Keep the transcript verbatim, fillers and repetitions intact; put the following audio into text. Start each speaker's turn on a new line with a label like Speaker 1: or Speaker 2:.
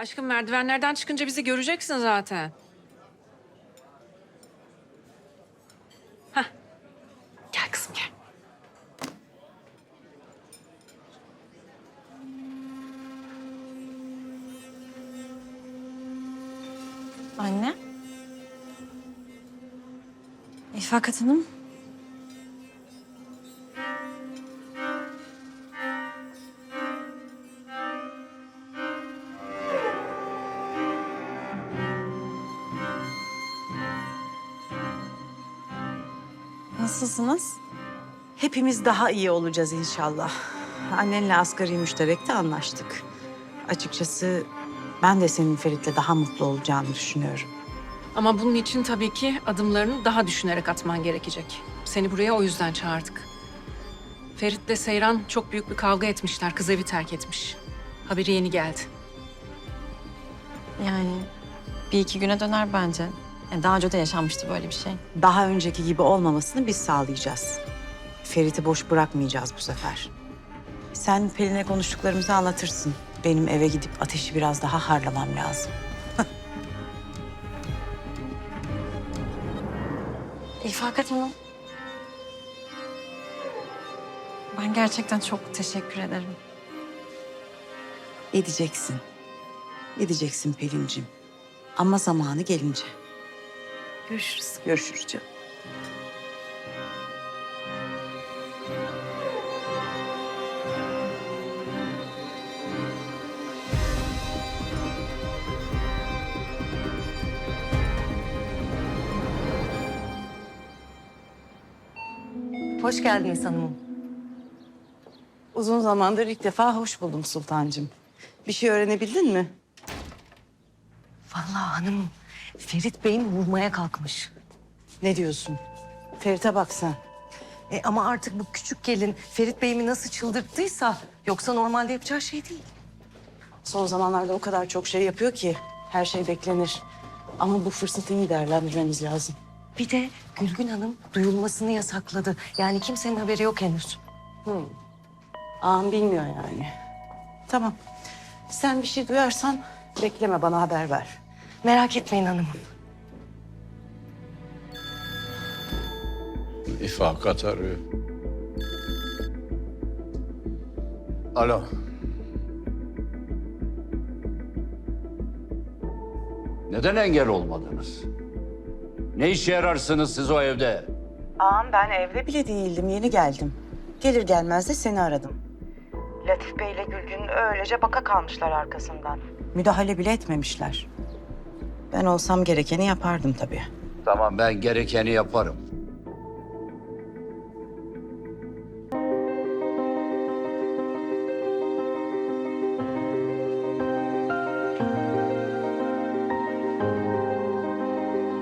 Speaker 1: Aşkım merdivenlerden çıkınca bizi göreceksin zaten. Hah. Gel kızım gel.
Speaker 2: Anne. İfakat Hanım. Nasılsınız?
Speaker 3: Hepimiz daha iyi olacağız inşallah. Annenle asgari müşterekte anlaştık. Açıkçası ben de senin Ferit'le daha mutlu olacağını düşünüyorum.
Speaker 1: Ama bunun için tabii ki adımlarını daha düşünerek atman gerekecek. Seni buraya o yüzden çağırdık. Ferit'le Seyran çok büyük bir kavga etmişler. Kız evi terk etmiş. Haberi yeni geldi.
Speaker 2: Yani bir iki güne döner bence. Yani daha önce de yaşanmıştı böyle bir şey.
Speaker 3: Daha önceki gibi olmamasını biz sağlayacağız. Ferit'i boş bırakmayacağız bu sefer. Sen Pelin'e konuştuklarımızı anlatırsın. Benim eve gidip ateşi biraz daha harlamam lazım.
Speaker 2: İfakat Hanım. Ben gerçekten çok teşekkür ederim.
Speaker 3: Edeceksin. Edeceksin Pelin'cim. Ama zamanı gelince.
Speaker 2: Görüşürüz.
Speaker 3: Görüşürüz canım.
Speaker 4: Hoş geldiniz hanımım.
Speaker 3: Uzun zamandır ilk defa hoş buldum Sultancığım. Bir şey öğrenebildin mi?
Speaker 4: Vallahi hanımım, Ferit Bey'im vurmaya kalkmış.
Speaker 3: Ne diyorsun? Ferit'e bak sen.
Speaker 4: E ama artık bu küçük gelin Ferit Bey'imi nasıl çıldırttıysa... ...yoksa normalde yapacağı şey değil.
Speaker 3: Son zamanlarda o kadar çok şey yapıyor ki her şey beklenir. Ama bu fırsatı iyi değerlendirmemiz lazım.
Speaker 4: Bir de Gülgün Hanım duyulmasını yasakladı. Yani kimsenin haberi yok henüz.
Speaker 3: Ağam bilmiyor yani. Tamam. Sen bir şey duyarsan bekleme, bana haber ver.
Speaker 4: Merak etmeyin hanımım.
Speaker 5: İfakat arıyor. Alo. Neden engel olmadınız? Ne işe yararsınız siz o evde?
Speaker 3: Ağam ben evde bile değildim, yeni geldim. Gelir gelmez de seni aradım. Latif Bey'le Gülgün öylece baka kalmışlar arkasından. Müdahale bile etmemişler. Ben olsam gerekeni yapardım tabii.
Speaker 5: Tamam, ben gerekeni yaparım.